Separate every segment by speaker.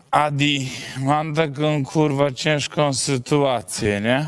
Speaker 1: Adi, mam taką kurwa ciężką sytuację, nie?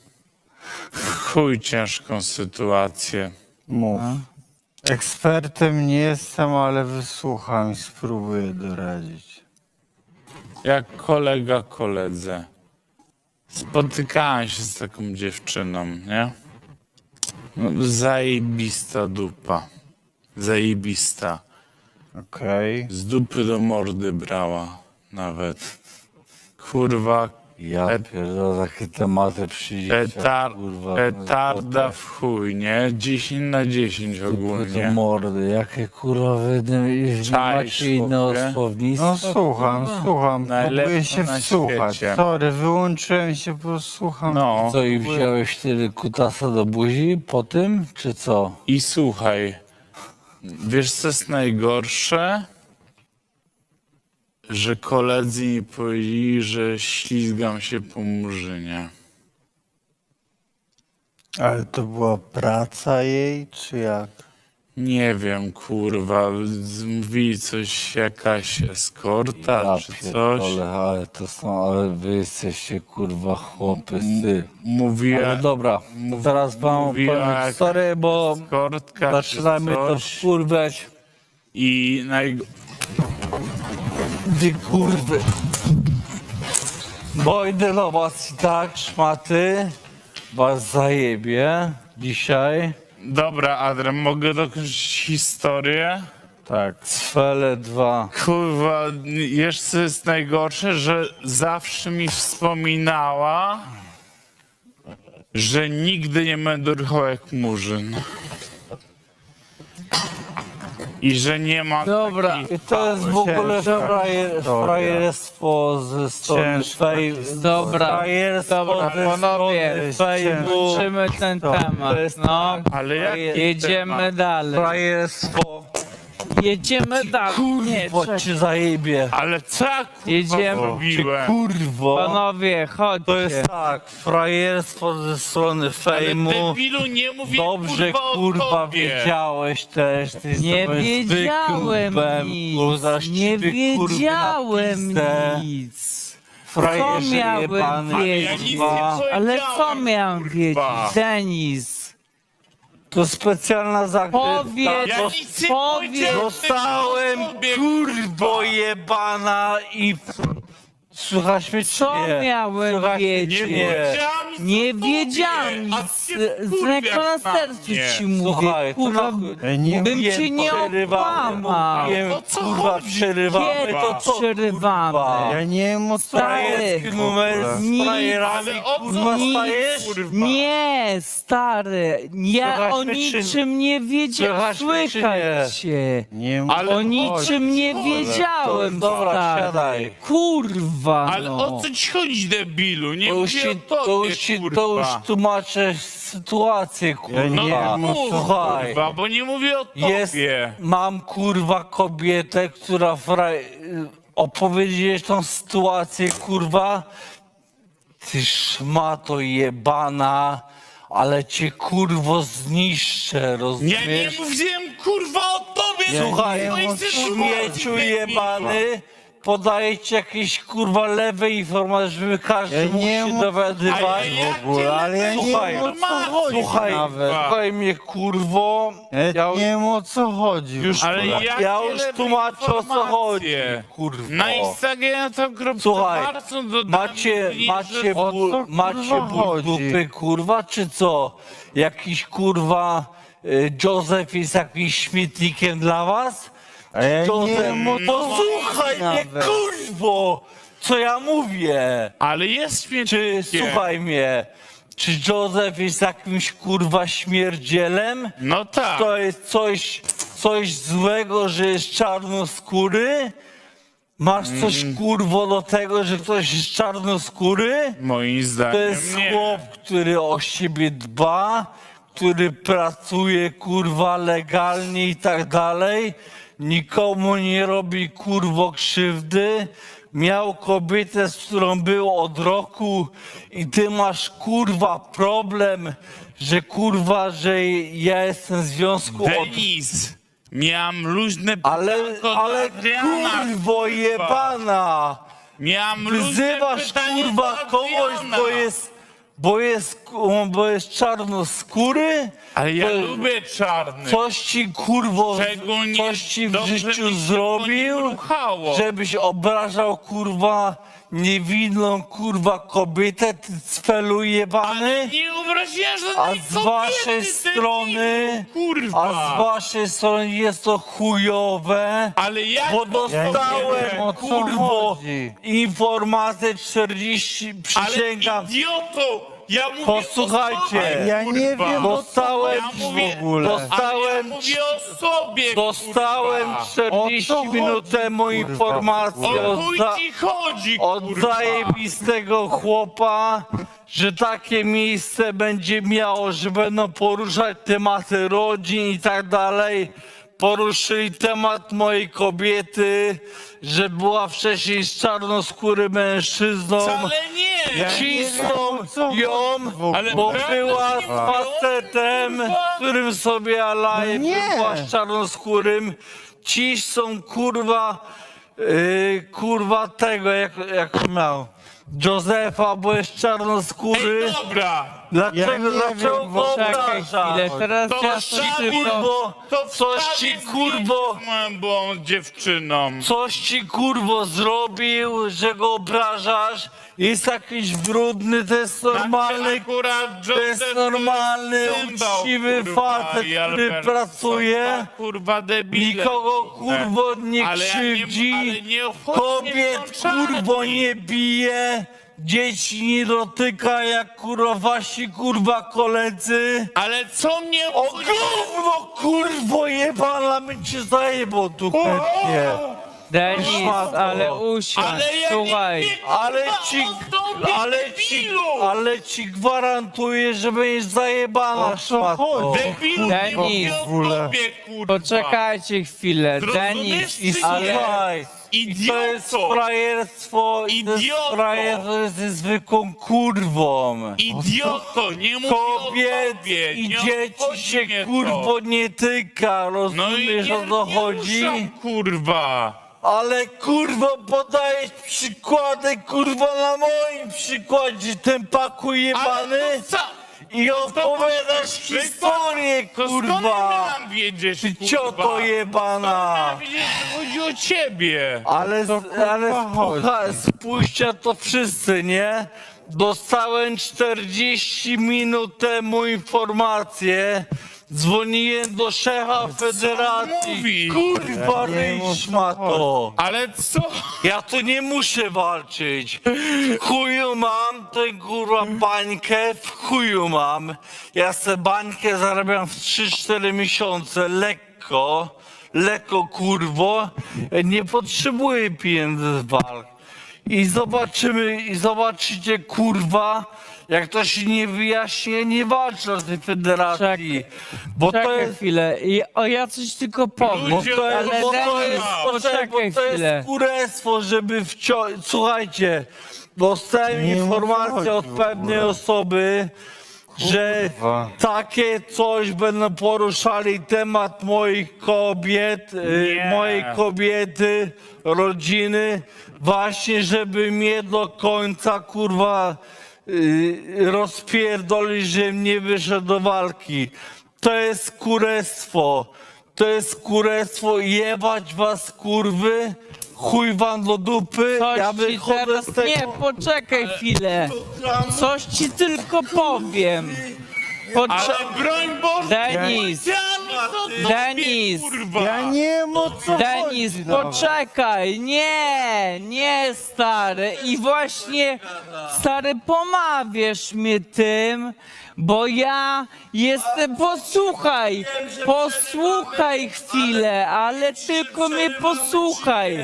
Speaker 1: Chuj ciężką sytuację.
Speaker 2: Mów. Ekspertem nie jestem, ale wysłucham i spróbuję doradzić.
Speaker 1: Jak kolega koledze. Spotykałem się z taką dziewczyną, nie? No, zajebista dupa. Zajebista.
Speaker 2: Okej.
Speaker 1: Z dupy do mordy brała nawet. Kurwa,
Speaker 2: Ja pierdolę, takie tematy przyjdzie.
Speaker 1: petarda w chuj, nie? 10 na 10
Speaker 3: Do
Speaker 1: ogólnie.
Speaker 3: mordy, jakie kurwa wy
Speaker 1: Czaisz,
Speaker 3: macie inne
Speaker 1: chłopie?
Speaker 3: słownictwo?
Speaker 2: No słucham.
Speaker 1: Najlepsze
Speaker 2: Próbuję się
Speaker 1: na
Speaker 2: wsłuchać.
Speaker 1: świecie.
Speaker 2: Sorry, wyłączyłem się, bo słucham.
Speaker 1: No
Speaker 3: Co i wziąłeś tyle kutasa do buzi po tym, czy co?
Speaker 1: i słuchaj, wiesz co jest najgorsze? Że koledzy mi powiedzieli, że ślizgam się po murzynie.
Speaker 2: Ale to była praca jej, czy jak?
Speaker 1: Nie wiem, kurwa, mówili coś, jakaś eskorta
Speaker 3: Ja
Speaker 1: czy coś.
Speaker 3: pierdolę, ale to są, ale wy jesteście kurwa chłopy, ty.
Speaker 1: Mówiła,
Speaker 3: Ale dobra, to teraz wam
Speaker 1: mówiła
Speaker 3: powiem
Speaker 1: jak
Speaker 3: historię, bo
Speaker 1: eskortka
Speaker 3: zaczynamy
Speaker 1: czy
Speaker 3: to
Speaker 1: coś.
Speaker 3: wkurwiać.
Speaker 1: I
Speaker 3: Wy kurwy. Bo idę do was i tak, szmaty, was zajebie dzisiaj.
Speaker 1: Dobra, Adrian, mogę dokończyć historię?
Speaker 3: Tak, Cfele 2.
Speaker 1: Kurwa, jeszcze jest najgorsze, że zawsze mi wspominała, że nigdy nie będę ruchał jak murzyn. I że nie ma
Speaker 3: Dobra,
Speaker 1: takich
Speaker 3: i to jest w ogóle frajerstwo ze strony
Speaker 4: Dobra,
Speaker 3: frajerstwo
Speaker 4: dobra,
Speaker 3: ze
Speaker 4: panowie,
Speaker 3: strony Facebooku.
Speaker 4: kończymy ten temat. No,
Speaker 1: Ale jak
Speaker 4: jedziemy dalej.
Speaker 3: Frajerstwo,
Speaker 4: Jedziemy dalej. Nie,
Speaker 3: bo
Speaker 4: czekaj.
Speaker 3: cię zajebie.
Speaker 1: Ale co ja, kurwa
Speaker 4: Jedziemy.
Speaker 1: zrobiłem?
Speaker 3: Kurwo,
Speaker 4: Panowie, chodźcie.
Speaker 3: to jest tak, frajerstwo ze strony
Speaker 1: Ale
Speaker 3: fejmu.
Speaker 1: debilu, nie mówię
Speaker 3: Dobrze,
Speaker 1: kurwa o
Speaker 3: kurwa,
Speaker 1: tobie.
Speaker 3: wiedziałeś też. Ty
Speaker 4: Nie
Speaker 3: jesteś
Speaker 4: wiedziałem
Speaker 3: zwykłym bem, kurwa,
Speaker 4: nic. Nie
Speaker 3: ściwy, kurwy,
Speaker 4: wiedziałem
Speaker 3: na pizdę.
Speaker 4: nic.
Speaker 3: Frajerze
Speaker 4: Co miałem
Speaker 3: jebany,
Speaker 4: wiedzieć?
Speaker 1: Ja nic nie
Speaker 3: kurwa.
Speaker 1: powiedziałem,
Speaker 4: Ale co miałem wiedzieć?
Speaker 1: kurwa.
Speaker 4: Denis,
Speaker 3: To specjalna zagrywka.
Speaker 4: powiedz,
Speaker 1: Ja nic nie
Speaker 4: powiedz.
Speaker 1: powiedziałem.
Speaker 3: Dostałem
Speaker 1: Tobie,
Speaker 3: kurwo jebana i... Słuchasz mnie czy
Speaker 4: Co
Speaker 3: nie?
Speaker 4: miałem
Speaker 3: Słuchasz mnie,
Speaker 4: wiedzieć?
Speaker 3: czy
Speaker 1: Nie
Speaker 3: nie?
Speaker 1: wiedziałem nic
Speaker 4: Nie
Speaker 1: o tobie,
Speaker 4: wiedziałem
Speaker 1: a
Speaker 4: nic.
Speaker 1: ty się
Speaker 4: Z ręką na
Speaker 1: wkurwiasz
Speaker 4: sercu
Speaker 1: mnie.
Speaker 4: ci mówię.
Speaker 3: Słuchaj, to
Speaker 4: Kurwa,
Speaker 3: na chuj.
Speaker 2: Nie
Speaker 4: bym
Speaker 3: Mówiłem,
Speaker 4: cię nie
Speaker 3: przerywamy,
Speaker 4: okłamał.
Speaker 3: mówiłem,
Speaker 1: O co
Speaker 3: kurwa,
Speaker 1: chodzi?
Speaker 3: przerywamy,
Speaker 4: Kiedy
Speaker 3: to co,
Speaker 4: przerywamy?
Speaker 3: kurwa?
Speaker 2: Ja nie wiem o co
Speaker 3: Frajerski
Speaker 2: chodzi.
Speaker 3: numer z
Speaker 4: Nic.
Speaker 3: frajerami,
Speaker 1: Ale o co
Speaker 3: kurwa,
Speaker 1: chodzi,
Speaker 3: stajesz?
Speaker 1: kurwa?
Speaker 4: Nie, stary, ja
Speaker 3: Słychać
Speaker 4: o
Speaker 3: mnie, czy-
Speaker 4: niczym nie wiedziałem.
Speaker 2: Słychać mnie, czy
Speaker 4: Słychać się.
Speaker 2: Nie wiem
Speaker 1: Ale
Speaker 4: O
Speaker 1: chodź,
Speaker 4: niczym nie
Speaker 1: chodź.
Speaker 4: wiedziałem,
Speaker 3: Dobra,
Speaker 4: stary.
Speaker 3: siadaj.
Speaker 4: Kurwa,
Speaker 1: Ale
Speaker 4: no.
Speaker 1: o co ci chodzi, debilu? Nie
Speaker 3: To już,
Speaker 1: mówię
Speaker 3: ci,
Speaker 1: o
Speaker 3: to,
Speaker 1: tobie,
Speaker 3: już ci,
Speaker 1: kurwa.
Speaker 3: to już tłumaczę sytuację, kurwa.
Speaker 1: No
Speaker 2: nie
Speaker 1: to
Speaker 2: wiem, o co
Speaker 1: mów,
Speaker 3: Słuchaj,
Speaker 1: kurwa, bo nie mówię o tobie.
Speaker 3: jest, mam kurwa kobietę, która opowiedzieć tą sytuację, kurwa. Ty szmato jebana, ale cię kurwo zniszczę,
Speaker 1: Ja nie
Speaker 3: rozumiesz?
Speaker 1: mówiłem, kurwa, o tobie.
Speaker 3: Słuchaj,
Speaker 1: no i
Speaker 3: śmieciu jebany, podaję ci jakieś kurwa lewe informacje, żeby każdy
Speaker 2: Ja
Speaker 3: mógł
Speaker 2: nie
Speaker 3: się
Speaker 2: mów-
Speaker 3: dowiadywać.
Speaker 2: w ogóle, ale ja nie
Speaker 3: Słuchaj,
Speaker 2: wiem o co chodzi
Speaker 3: Słuchaj,
Speaker 2: nawet.
Speaker 3: słuchaj mnie kurwo,
Speaker 2: Ja nie wiem o co chodzi.
Speaker 3: już,
Speaker 1: Ale
Speaker 3: ja
Speaker 1: jakie
Speaker 3: już
Speaker 1: lewe
Speaker 3: tłumaczę o co chodzi,
Speaker 1: informacje?
Speaker 3: kurwo.
Speaker 1: Na Instagramie to
Speaker 3: Słuchaj,
Speaker 1: dodałem,
Speaker 3: macie
Speaker 2: o co,
Speaker 3: macie
Speaker 2: kurwa,
Speaker 3: ból
Speaker 2: chodzi?
Speaker 3: dupy, kurwa, czy co? Jakiś kurwa Józef jest jakimś śmietnikiem dla was?
Speaker 2: A ja nie
Speaker 3: Józef,
Speaker 2: wiem o co
Speaker 3: posłuchaj mnie,
Speaker 2: nawet.
Speaker 3: kurwo, co ja mówię.
Speaker 1: Ale jest
Speaker 3: Czy,
Speaker 1: śmietnikiem.
Speaker 3: słuchaj mnie, czy Józef jest jakimś kurwa śmierdzielem?
Speaker 1: No tak.
Speaker 3: To jest coś złego, że jest czarnoskóry? Masz coś kurwo do tego, że ktoś jest czarnoskóry?
Speaker 1: Moim zdaniem
Speaker 3: To jest
Speaker 1: nie.
Speaker 3: chłop, który o siebie dba, który pracuje kurwa legalnie i tak dalej. Nikomu nie robi kurwo krzywdy. Miał kobietę, z którą był od roku i ty masz kurwa problem, że kurwa, że ja jestem w związku od...
Speaker 1: Denis, miałem luźne
Speaker 3: Ale
Speaker 1: pytanko do Adriana,
Speaker 3: kurwo jebana!
Speaker 1: Miałem luźne
Speaker 3: Wyzywasz
Speaker 1: pytanie
Speaker 3: kurwa
Speaker 1: do
Speaker 3: kogoś,
Speaker 1: Adriana.
Speaker 3: bo jest czarnoskóry?
Speaker 1: Ale ja
Speaker 3: To-
Speaker 1: lubię czarny.
Speaker 3: Coś ci kurwo,
Speaker 1: Szczególnie
Speaker 3: coś ci w
Speaker 1: dobrze mi
Speaker 3: życiu
Speaker 1: się po nim
Speaker 3: zrobił,
Speaker 1: ruchało.
Speaker 3: żebyś obrażał kurwa niewinną kurwa kobietę, ty cfelu jebany?
Speaker 1: Nie obraziłem
Speaker 3: A
Speaker 1: żadnej
Speaker 3: z waszej
Speaker 1: kobiety,
Speaker 3: strony,
Speaker 1: debilu, kurwa.
Speaker 3: a z waszej strony jest to chujowe,
Speaker 1: Ale jak
Speaker 3: bo
Speaker 1: to
Speaker 3: dostałem
Speaker 2: o co
Speaker 3: kurwo
Speaker 2: chodzi?
Speaker 3: informację 40,
Speaker 1: Ale
Speaker 3: przysięgam.
Speaker 1: idioto! Ja mówię
Speaker 3: Posłuchajcie,
Speaker 1: o sobie,
Speaker 2: Ja nie
Speaker 1: kurwa.
Speaker 2: wiem,
Speaker 3: Dostałem
Speaker 1: Ja mówię,
Speaker 2: w ogóle.
Speaker 1: Ale ja
Speaker 3: Dostałem,
Speaker 1: mówię o sobie,
Speaker 3: dostałem
Speaker 1: kurwa.
Speaker 3: 40
Speaker 2: O co
Speaker 3: minut
Speaker 2: chodzi,
Speaker 3: temu
Speaker 2: kurwa,
Speaker 3: informację
Speaker 1: O chuj ci chodzi,
Speaker 3: od
Speaker 1: kurwa.
Speaker 3: zajebistego chłopa, że takie miejsce będzie miało, że będą poruszać tematy rodzin i tak dalej. Poruszyli temat mojej kobiety, że była wcześniej z czarnoskórym mężczyzną.
Speaker 1: Wcale nie!
Speaker 3: Cisną ją,
Speaker 1: Ale
Speaker 3: bo
Speaker 1: prawda
Speaker 3: była
Speaker 1: nie
Speaker 3: z facetem,
Speaker 1: kurwa.
Speaker 3: którym sobie alaje,
Speaker 2: Nie.
Speaker 3: była z czarnoskórym. Cisną kurwa tego, jak miał. Józefa, bo jest czarnoskóry.
Speaker 1: Ej, dobra!
Speaker 3: Dlaczego,
Speaker 2: Ja nie
Speaker 3: dlaczego
Speaker 2: wiem,
Speaker 3: go
Speaker 4: Czekaj
Speaker 3: obrażasz?
Speaker 4: chwilę, teraz
Speaker 1: To
Speaker 4: ja
Speaker 1: wstawię,
Speaker 4: coś tylko...
Speaker 3: Kurwo, coś ci kurwo,
Speaker 1: Z moją byłą dziewczyną.
Speaker 3: coś ci kurwo zrobił, że go obrażasz? Jest jakiś brudny, to jest normalny,
Speaker 1: Akurat
Speaker 3: to jest normalny, uczciwy facet, który pracuje.
Speaker 1: Kurwa debile.
Speaker 3: Nikogo kurwo nie
Speaker 1: Ale ja nie-
Speaker 3: krzywdzi,
Speaker 1: ale nie obchodzi mnie
Speaker 3: kobiet
Speaker 1: to czarny.
Speaker 3: kurwo nie bije, dzieci nie dotyka jak kurwa wasi kurwa koledzy.
Speaker 1: Ale co mnie
Speaker 3: O
Speaker 1: obchodzi?
Speaker 3: gówno kurwo jebana my cię zajebą tu chętnie.
Speaker 4: Denis,
Speaker 3: Szmato.
Speaker 4: ale usiądź,
Speaker 1: Ale ja
Speaker 4: słuchaj.
Speaker 1: nie
Speaker 3: Ale ci, ale ci gwarantuję, że będziesz zajebana
Speaker 2: O co
Speaker 3: szmato.
Speaker 2: chodzi?
Speaker 1: Debilu,
Speaker 4: Denis.
Speaker 1: nie mówię o tobie, kurwa.
Speaker 4: Poczekajcie chwilę,
Speaker 1: Zrozumiesz,
Speaker 4: Denis.
Speaker 1: ty
Speaker 3: Ale
Speaker 1: nie?
Speaker 3: słuchaj, i to jest
Speaker 1: Idioto!
Speaker 3: frajerstwo, i to jest
Speaker 1: Idioto!
Speaker 3: frajerstwo ze zwykłą kurwą.
Speaker 1: Idioto, nie mówię
Speaker 3: Kobiet
Speaker 1: o tobie.
Speaker 3: i
Speaker 1: nie
Speaker 3: dzieci
Speaker 1: obchodzi
Speaker 3: się
Speaker 1: mnie to.
Speaker 3: kurwo nie tyka,
Speaker 1: No i
Speaker 3: rozumiesz
Speaker 1: nie,
Speaker 3: o co
Speaker 1: nie
Speaker 3: chodzi?
Speaker 1: ruszam, kurwa.
Speaker 3: Ale kurwo podajesz przykłady kurwa na moim przykładzie, ten paku jebany
Speaker 1: Ale to co?
Speaker 3: i opowiadasz historię
Speaker 1: To skąd
Speaker 3: kurwa.
Speaker 1: mam wiedzieć,
Speaker 3: Ty
Speaker 1: kurwa?
Speaker 3: cioto jebana.
Speaker 1: Mam wiedzieć, że chodzi o ciebie.
Speaker 3: Ale
Speaker 2: chodzi?
Speaker 3: spójrzcie to wszyscy, nie? Dostałem 40 minut temu informację. Dzwoniłem do szefa federacji.
Speaker 1: mówi?
Speaker 3: Kurwa,
Speaker 2: Ja nie wiem, o
Speaker 3: ryj
Speaker 2: co
Speaker 3: szmato.
Speaker 1: Ale co?
Speaker 3: Ja tu nie muszę walczyć. W chuju mam tę kurwa bańkę, w chuju mam. Ja se bańkę zarabiam w 3-4 miesiące, lekko kurwo. Nie potrzebuję pieniędzy z walk. I zobaczycie kurwa, jak to się nie wyjaśni, nie walczę na tej federacji. Bo to
Speaker 4: Czekaj
Speaker 3: jest
Speaker 4: chwilę, ja coś tylko powiem.
Speaker 1: Ludzie,
Speaker 4: Ale
Speaker 3: bo to
Speaker 4: Denis,
Speaker 3: jest,
Speaker 4: poczekaj
Speaker 3: bo to
Speaker 4: chwilę.
Speaker 3: jest kurestwo, żeby Słuchajcie, dostałem
Speaker 2: Nie mów, o co
Speaker 3: informację od
Speaker 2: chodzi w
Speaker 3: pewnej
Speaker 2: ogóle.
Speaker 3: osoby, że
Speaker 2: Kurwa.
Speaker 3: takie coś będą poruszali temat moich kobiet,
Speaker 1: Nie.
Speaker 3: mojej kobiety, rodziny, właśnie żeby mnie do końca kurwa rozpierdolić, żebym nie wyszedł do walki. To jest kurestwo. To jest kurestwo, jebać was kurwy, chuj wam do dupy,
Speaker 4: Coś
Speaker 3: ja
Speaker 4: ci
Speaker 3: wychodzę
Speaker 4: teraz...
Speaker 3: z tego...
Speaker 4: Nie, poczekaj chwilę. Coś ci tylko powiem.
Speaker 1: Ale broń Boże,
Speaker 4: Denis, Denis,
Speaker 1: kurwa.
Speaker 2: Ja nie wiem o co
Speaker 4: Denis,
Speaker 2: chodzi nawet.
Speaker 4: poczekaj, nie stary i właśnie stary pomawiasz mnie tym, bo ja jestem, posłuchaj chwilę, ale tylko mnie posłuchaj.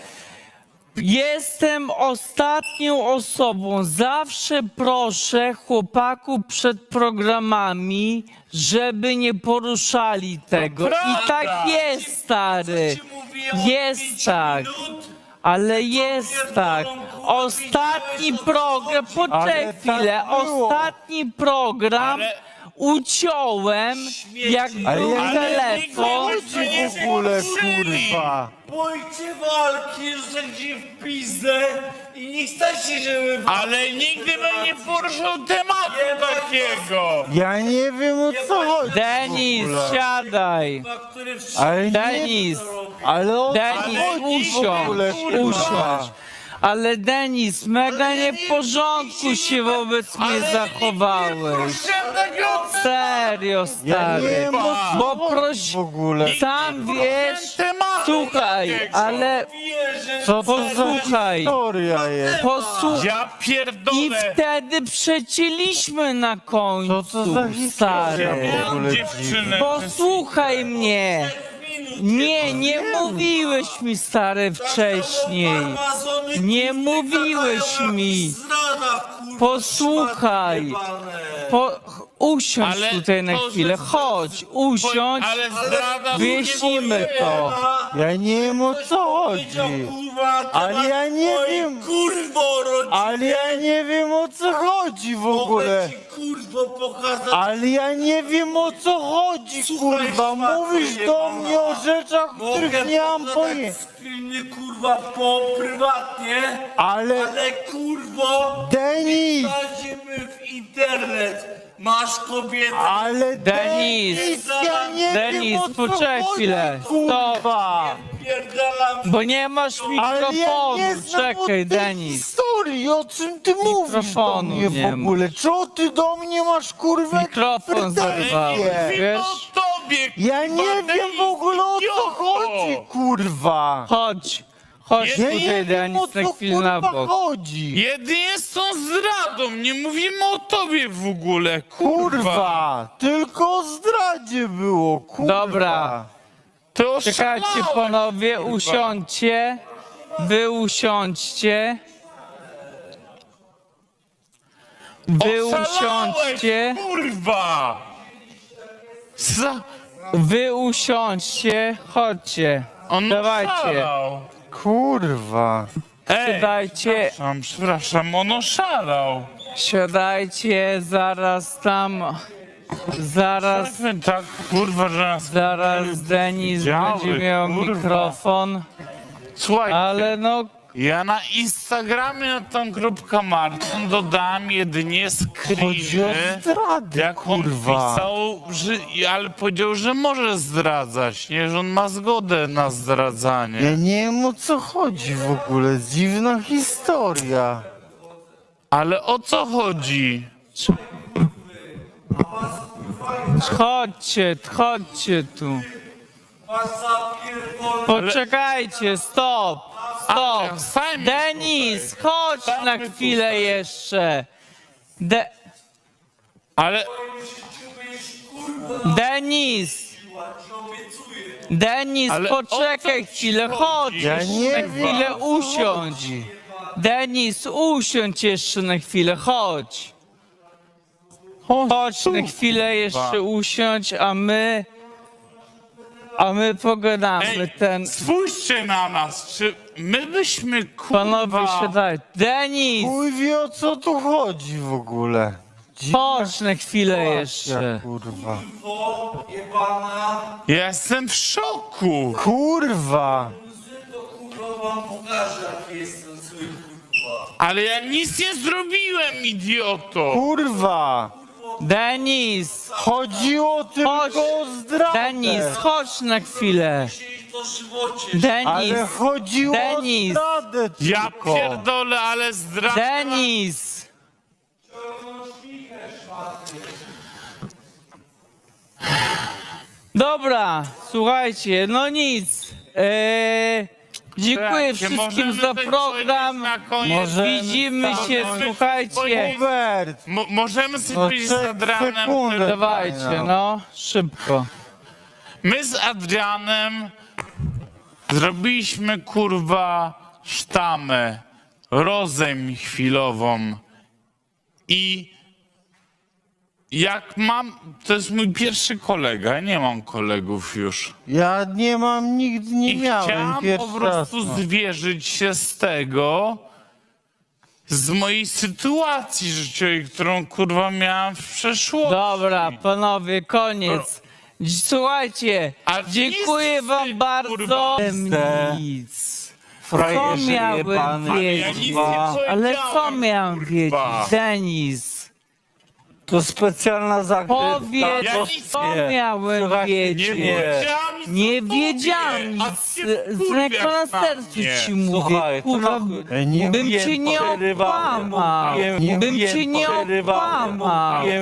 Speaker 4: Jestem ostatnią osobą. Zawsze proszę chłopaków przed programami, żeby nie poruszali tego. I tak jest, stary. Jest tak. Ale jest tak. Ostatni program, poczekaj
Speaker 2: Ale tak
Speaker 4: chwilę,
Speaker 2: było.
Speaker 4: ostatni program uciąłem, jak
Speaker 2: Ale
Speaker 4: był
Speaker 2: ja nie
Speaker 4: telefon.
Speaker 2: wiem w ogóle, kurwa.
Speaker 3: Bójcie walki, że ci w pizdę i nie chcecie, żeby...
Speaker 1: Ale nigdy bym nie poruszył tematu takiego.
Speaker 2: Ja nie wiem o co chodzi.
Speaker 4: Denis, siadaj.
Speaker 3: który
Speaker 2: Ale nie,
Speaker 4: Denis,
Speaker 2: ale o co
Speaker 4: Denis,
Speaker 2: chodzi w ogóle,
Speaker 4: usiądź, usiądź. Ale Denis, mega nie w porządku się wobec mnie zachowałeś. Serio,
Speaker 2: Ja nie
Speaker 4: stary.
Speaker 2: wiem o co
Speaker 4: Bo
Speaker 2: chodzi
Speaker 4: proś,
Speaker 2: w ogóle.
Speaker 4: sam wiesz, słuchaj, ale
Speaker 2: Co to za
Speaker 4: posłuchaj,
Speaker 2: historia jest?
Speaker 4: posłuchaj.
Speaker 1: Ja
Speaker 4: I
Speaker 1: pierdolę.
Speaker 4: wtedy przecięliśmy na końcu,
Speaker 2: Co to za historia
Speaker 4: stary.
Speaker 2: w ogóle?
Speaker 1: Dziewczyny.
Speaker 4: Posłuchaj mnie. Nie mówiłeś mi, stary, wcześniej. Nie mówiłeś mi. Posłuchaj. Usiądź
Speaker 1: Ale
Speaker 4: tutaj na
Speaker 1: to,
Speaker 4: chwilę.
Speaker 1: że-
Speaker 4: Chodź, usiądź.
Speaker 1: Ale zdrada...
Speaker 4: Wyjaśnimy to.
Speaker 2: Ja nie wiem o co chodzi. Ale ja nie wiem.
Speaker 3: Kurwo, rodzinie!
Speaker 2: Ale ja nie wiem o co chodzi w ogóle.
Speaker 3: Kurwo, pokazać...
Speaker 2: Ale ja nie wiem o co chodzi, kurwa. Mówisz do mnie o rzeczach, których nie mam pojęcia.
Speaker 3: Screeny, kurwa, prywatnie,
Speaker 2: Ale
Speaker 3: ale kurwo...
Speaker 2: Denis!
Speaker 3: Wchodzimy w internet. Masz kobietę.
Speaker 2: Ale
Speaker 4: Denis!
Speaker 2: ja nie
Speaker 4: Denis,
Speaker 2: wiem o co
Speaker 4: poczekaj
Speaker 2: chodzi,
Speaker 4: chwilę.
Speaker 2: kurwa.
Speaker 3: Pierdalam.
Speaker 4: Bo nie masz
Speaker 2: Ale ja
Speaker 4: mikrofonu.
Speaker 2: nie znam o
Speaker 4: Czekaj,
Speaker 2: tej
Speaker 4: Denis.
Speaker 2: historii, o czym ty mówisz do
Speaker 4: Mikrofonu
Speaker 2: mnie
Speaker 4: nie
Speaker 2: w ogóle? Co ty do mnie masz, kurwa,
Speaker 4: Mikrofon
Speaker 2: pretensje?
Speaker 4: zerwałeś, wiesz?
Speaker 1: o tobie,
Speaker 2: Ja nie wiem w ogóle o co chodzi, kurwa.
Speaker 4: Chodź
Speaker 1: Ja
Speaker 2: Ja
Speaker 4: tutaj,
Speaker 2: nie wiem o
Speaker 4: Denis, na
Speaker 2: co,
Speaker 4: chwilę na
Speaker 2: kurwa,
Speaker 4: bok.
Speaker 2: chodzi.
Speaker 1: Jedynie z tą zdradą, nie mówimy o tobie w ogóle, kurwa.
Speaker 2: Kurwa, tylko o zdradzie było, kurwa.
Speaker 4: Dobra.
Speaker 1: To
Speaker 4: Czekajcie
Speaker 1: oszalałeś,
Speaker 4: panowie,
Speaker 1: kurwa.
Speaker 4: usiądźcie. Wy usiądźcie. Wy
Speaker 1: Oszalałeś,
Speaker 4: usiądźcie.
Speaker 1: kurwa.
Speaker 4: Wy usiądźcie. Chodźcie.
Speaker 1: On
Speaker 4: Dawajcie.
Speaker 1: oszalał.
Speaker 2: Kurwa.
Speaker 1: Ej,
Speaker 4: Siadajcie.
Speaker 1: przepraszam, on oszalał.
Speaker 4: Siadajcie, zaraz tam. Zaraz.
Speaker 1: Tak, kurwa, że nas...
Speaker 4: Zaraz Denis
Speaker 1: Działy,
Speaker 4: będzie miał
Speaker 1: kurwa.
Speaker 4: mikrofon.
Speaker 1: Słuchaj,
Speaker 4: Ale no,
Speaker 1: ja na Instagramie na tą grupkę Marcin dodałem jedynie
Speaker 2: Chodzi o
Speaker 1: screeny,
Speaker 2: zdradę,
Speaker 1: jak on
Speaker 2: kurwa.
Speaker 1: pisał, ale powiedział, że może zdradzać, nie, że on ma zgodę na zdradzanie.
Speaker 2: Ja nie wiem o co chodzi w ogóle, dziwna historia.
Speaker 1: Ale o co chodzi?
Speaker 4: chodźcie tu. Poczekajcie, stop.
Speaker 1: Ale sami-
Speaker 4: Denis, chodź na chwilę jeszcze.
Speaker 1: Ale
Speaker 4: Denis,
Speaker 1: Ale o
Speaker 4: poczekaj
Speaker 1: co
Speaker 4: chwilę,
Speaker 1: ci
Speaker 4: chodź.
Speaker 1: chodzi?
Speaker 2: Ja nie
Speaker 4: Na
Speaker 2: wiem,
Speaker 4: chwilę
Speaker 2: o co
Speaker 4: usiądź.
Speaker 2: chodzi.
Speaker 4: Denis, usiądź jeszcze na chwilę, chodź. Chodź na chwilę jeszcze usiądź, a my pogadamy.
Speaker 1: ej, spójrzcie na nas, czy my byśmy,
Speaker 4: Panowie,
Speaker 1: kurwa...
Speaker 4: siadaj. Denis,
Speaker 2: Chuj wie o co tu chodzi w ogóle. Dziwna
Speaker 4: chodź na chwilę
Speaker 2: sytuacja,
Speaker 4: jeszcze.
Speaker 2: kurwa.
Speaker 1: Ja jestem w szoku.
Speaker 2: Kurwa.
Speaker 1: Ale ja nic nie zrobiłem, idioto.
Speaker 2: Kurwa.
Speaker 4: Denis,
Speaker 2: Chodziło
Speaker 4: Chodź.
Speaker 2: tylko o zdradę.
Speaker 4: Denis, chodź na chwilę. Denis,
Speaker 2: Ale chodziło
Speaker 4: Denis.
Speaker 2: o zdradę
Speaker 1: Ja
Speaker 2: tylko.
Speaker 1: pierdolę, ale zdrada...
Speaker 4: Denis. Dobra, słuchajcie, no nic. Dziękuję
Speaker 1: Słuchajcie,
Speaker 4: wszystkim
Speaker 1: możemy
Speaker 4: za
Speaker 1: coś
Speaker 4: program.
Speaker 1: powiedzieć na koniec?
Speaker 2: Możemy
Speaker 4: Widzimy się,
Speaker 1: stanąć.
Speaker 4: słuchajcie.
Speaker 2: Hubert.
Speaker 1: Możemy sobie
Speaker 2: No,
Speaker 1: powiedzieć z Adrianem...
Speaker 2: sekundę.
Speaker 4: Dawajcie, no, szybko.
Speaker 1: My z Adrianem zrobiliśmy, kurwa, sztamę, rozejm chwilową i jak mam, to jest mój pierwszy kolega, ja nie mam kolegów już.
Speaker 2: Ja nie mam, nigdy nie
Speaker 1: I
Speaker 2: miałem.
Speaker 1: chciałem po
Speaker 2: Pierwszy raz.
Speaker 1: prostu zwierzyć się z tego, z mojej sytuacji życiowej, którą, kurwa, miałem w przeszłości.
Speaker 4: Dobra, panowie, koniec. Słuchajcie,
Speaker 1: A
Speaker 4: dziękuję
Speaker 1: nic,
Speaker 4: wam bardzo.
Speaker 1: kurwa.
Speaker 4: Nic.
Speaker 3: frajerze
Speaker 4: miałem
Speaker 3: jebany,
Speaker 4: wiedzieć?
Speaker 1: Ja nic nie
Speaker 3: kurwa.
Speaker 4: Ale co
Speaker 1: powiedziałem,
Speaker 4: miałem wiedzieć,
Speaker 1: kurwa.
Speaker 4: Denis?
Speaker 3: To specjalna zagrywka.
Speaker 4: Powiedz,
Speaker 1: Ja
Speaker 3: to
Speaker 1: nic
Speaker 4: co
Speaker 3: nie.
Speaker 4: miałem
Speaker 3: Słuchajcie,
Speaker 4: wiedzieć?
Speaker 1: powiedziałem nic
Speaker 4: Nie
Speaker 1: o tobie,
Speaker 4: wiedziałem
Speaker 1: a
Speaker 4: nic,
Speaker 1: ty się
Speaker 4: z
Speaker 1: wkurwiasz
Speaker 4: ręką na
Speaker 1: na
Speaker 4: sercu
Speaker 1: mnie.
Speaker 4: ci mówię,
Speaker 3: Słuchaj, to
Speaker 4: kurwa,
Speaker 3: nie
Speaker 4: bym cię nie okłamał, bym cię nie okłamał.